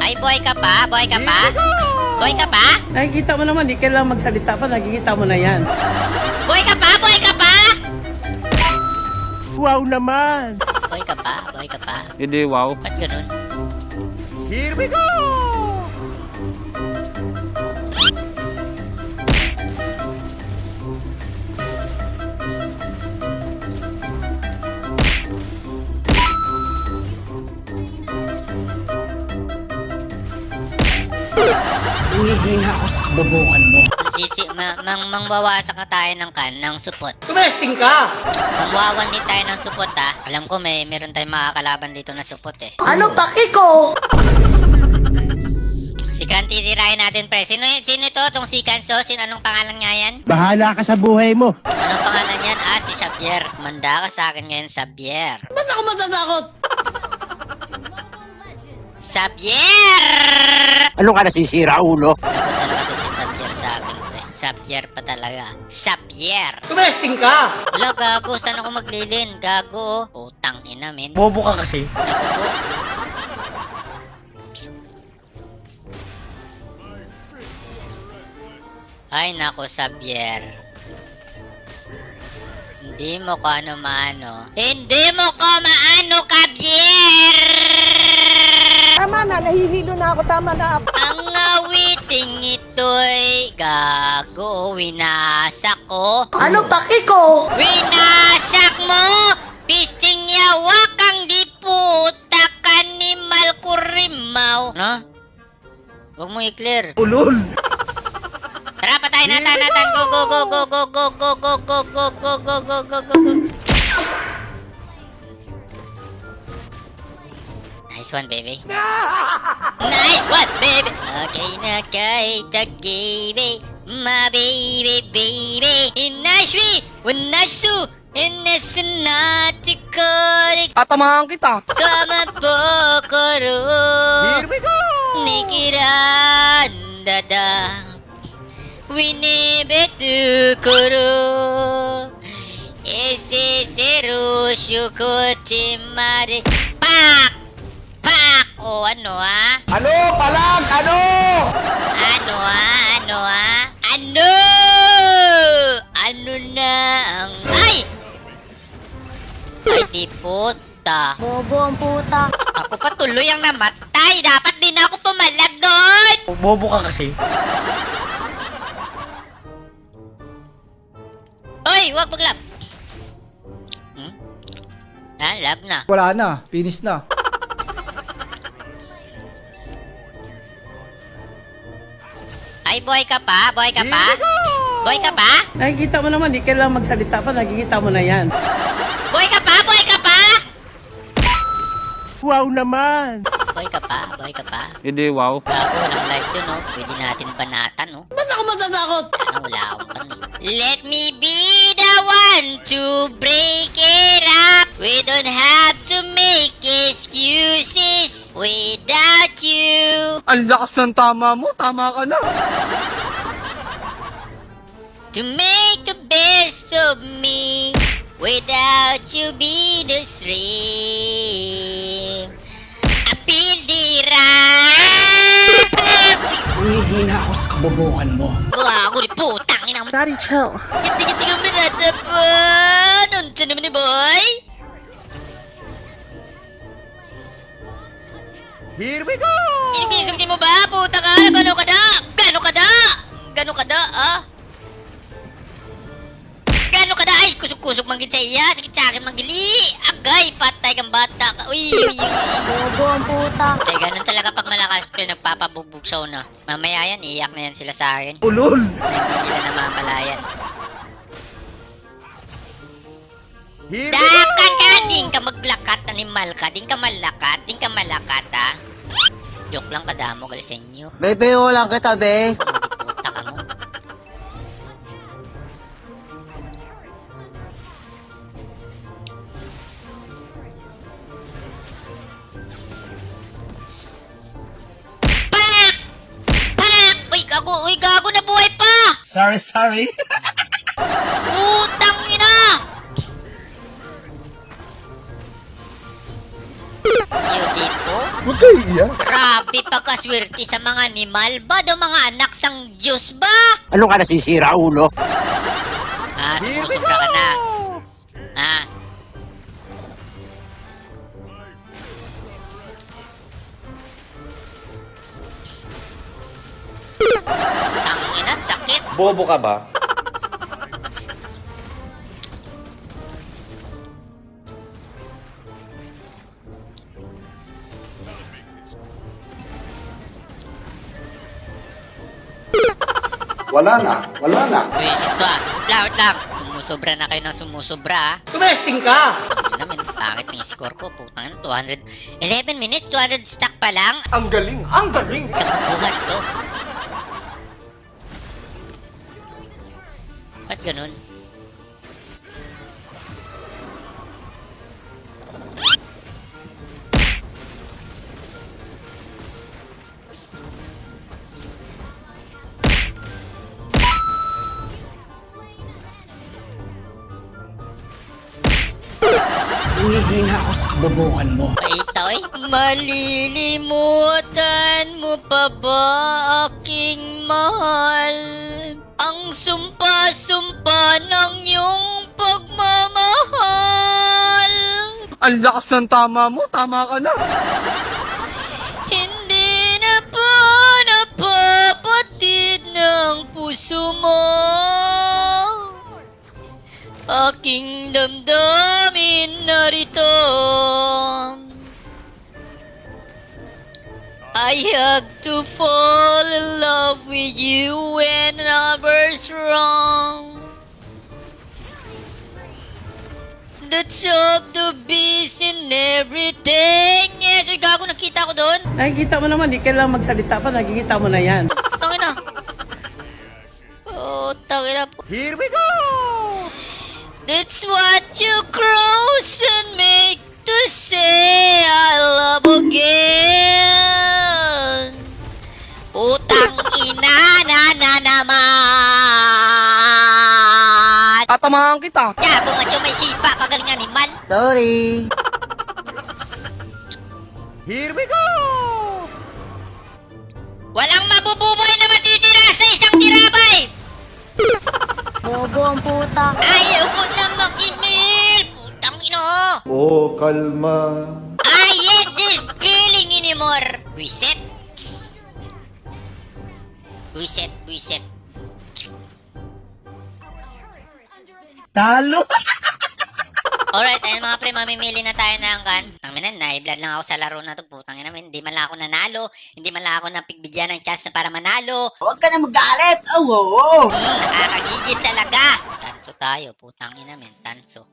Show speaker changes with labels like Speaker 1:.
Speaker 1: Ay, boy ka pa? Boy ka pa? Boy ka pa?
Speaker 2: Nakikita mo naman, di kailangan magsalita pa, nakikita mo na yan.
Speaker 1: Boy ka pa? Boy ka pa?
Speaker 2: Wow naman!
Speaker 1: Boy ka pa? Boy ka pa?
Speaker 3: Hindi, wow.
Speaker 1: Ba't ganun?
Speaker 2: Here we go!
Speaker 4: Humihina ako sa kabobohan mo.
Speaker 1: Mangwawasak na tayo ng supot.
Speaker 2: Tumesting ka!
Speaker 1: Mangwawan din tayo ng supot ha. Alam ko meron tayong makakalaban dito na supot eh.
Speaker 5: Ano paki ko?
Speaker 1: Si Kan, titirahin natin pre. Sino ito? Itong si Kanso? Anong pangalan nga yan?
Speaker 4: Bahala ka sa buhay mo.
Speaker 1: Anong pangalan yan? Si Xavier. Manda ka sa akin ngayon, Xavier.
Speaker 5: Ba't ako matatakot?
Speaker 1: Xavier!
Speaker 4: Ano ka nasisira, ulo?
Speaker 1: Takot talaga to si Xavier sa akin, pre. Xavier pa talaga. Xavier!
Speaker 2: Tumesting ka!
Speaker 1: Wala, gago. Saan ako maglilin? Gago. Utang ina, men.
Speaker 4: Bobo ka kasi.
Speaker 1: Ay, nako, Xavier. Hindi mo ko ano maano. Hindi mo ko maano, Xavier!
Speaker 5: Tama na, nahihilo na ako. Tama na.
Speaker 1: Ang awiting ito'y gago. Winasak ko.
Speaker 5: Ano paki ko?
Speaker 1: Winasak mo! Pisting yawak ang di puta kanimal kurimaw. No? Huwag mo i-clear.
Speaker 2: Ulol!
Speaker 1: Tara, patayin natin. Go, go, go, go, go, go, go, go, go, go, go, go, go, go, go, go. Nice one, baby. Nice one, baby. Okay na kahit tagay, my baby, baby. Inashwi, wanasu, inasunatikorik.
Speaker 4: Tatamahan kita.
Speaker 1: Kamapokoro.
Speaker 2: Here we go!
Speaker 1: Nikirandada Winibetukoro Ese seru shukochimare Pak! Pak! O ano ha?
Speaker 4: Ano? Palag! Ano?
Speaker 1: Ano ha? Ano ha? Ano? Ano na ang... Ay! Ay di puta.
Speaker 5: Bobo ang puta.
Speaker 1: Ako pa tuloy ang namatay. Dapat din ako pumalag doon.
Speaker 4: Bobo ka kasi.
Speaker 1: Hoy, wag maglab. Lab na.
Speaker 4: Wala na. Finish na.
Speaker 1: Ay, boy ka pa? Boy ka pa? Boy ka pa?
Speaker 2: Nakikita mo naman, di kailangan magsalita pa, nakikita mo na yan.
Speaker 1: Boy ka pa? Boy ka pa?
Speaker 2: Wow naman!
Speaker 1: Boy ka pa? Boy ka pa?
Speaker 3: Hindi, wow.
Speaker 1: Gago, walang life yun, no? Pwede natin banatan, no?
Speaker 5: Ba't ako matatakot?
Speaker 1: Wala akong pan. Let me be the one to break it up. We don't have to make excuses without you.
Speaker 4: Ang lakas ng tama mo. Tama ka na.
Speaker 1: To make the best of me without you be the stream. Apil dira.
Speaker 4: Humihina ako sa kabobohan mo.
Speaker 1: Gago ni putang ina mo.
Speaker 2: Daddy, chill.
Speaker 1: Giti-giti kang birada pa. Nandyan naman ni boy.
Speaker 2: Here we go!
Speaker 1: Inibisugin mo ba? Puta ka! Gano'n ka da? Gano'n ka da? Gano'n ka da, ah? Gano'n ka da? Ay, kusog-kusog manggit sa iya. Sakit sa akin manggili. Agay, patay kang bata ka. Uy, uy, uy, uy.
Speaker 5: Bobo ang puta.
Speaker 1: Ay, ganun talaga pag malakas pero nagpapabugbog sa una. Mamaya yan, iiyak na yan sila sa akin.
Speaker 2: Ulol!
Speaker 1: Hindi nila namamalayan.
Speaker 2: Here
Speaker 1: Dakan ka! Din ka maglakat, animal ka. Din ka malakat. Din ka malakat, ha? Joke lang kadamo, galisenyo.
Speaker 4: Bebe, lang kita, be.
Speaker 1: Puta ka mo. Pak! Pak! Uy, gago na buhay pa!
Speaker 4: Sorry.
Speaker 1: Putang ina! Beautiful.
Speaker 3: Huwag kayo iiyak.
Speaker 1: Grabe pagkaswerte sa mga animal ba? Daw mga anak sang Diyos ba?
Speaker 6: Ano ka nasisira, ulo?
Speaker 1: Ah, sumusobra ka na. Ah. Tangina, sakit.
Speaker 3: Bobo ka ba?
Speaker 7: Wala na, wala na.
Speaker 1: Wisit ba? Wait lang. Sumusobra na kayo ng sumusobra, ah.
Speaker 6: Tumesting ka!
Speaker 1: Naman, bakit yung score ko? Putang ina, 200... 11 minutes, 200 stack pa lang?
Speaker 4: Ang galing! Ang galing!
Speaker 1: Kapubuhan to. Ba't ganun?
Speaker 4: Humihina ako sa kabobohan mo.
Speaker 1: Ito'y malilimutan mo pa ba aking mahal? Ang sumpa-sumpa ng iyong pagmamahal.
Speaker 4: Ang lakas ng tama mo, tama ka na.
Speaker 1: Hindi na po napapatid ng puso mo. Aking damdamin narito. I have to fall in love with you when lover's wrong. The top, the beast, and everything. Eh, gago, nakita ko doon.
Speaker 2: Nakikita mo naman, di kailangan magsalita pa, nakikita mo na yan.
Speaker 1: Tangin na. Oh, tangin na po.
Speaker 2: Here we go!
Speaker 1: That's what you cross and make to say I love again. Putang ina na naman.
Speaker 4: Tatamahan kita.
Speaker 1: Gago, macho, may chipa. Pagaling animal.
Speaker 2: Sorry. Here we go!
Speaker 1: Walang mabububoy na matitira sa isang tirabay.
Speaker 8: Bobo ang puta.
Speaker 1: Ayaw ko na mag-email. Putang ina.
Speaker 3: Oh, kalma.
Speaker 1: I hate this feeling anymore. Reset. Reset, reset.
Speaker 4: Talo!
Speaker 1: Alright, ayun mga pre, mamimili na tayo ng kan. Tangina, na-blood lang ako sa laro na to. Putang ina, hindi man lang ako nanalo. Hindi man lang ako napigbigyan ng chance na para manalo.
Speaker 4: Huwag ka na magalit! Oh, oo!
Speaker 1: Nakakagigil talaga. Tanso tayo, putang ina men, tanso.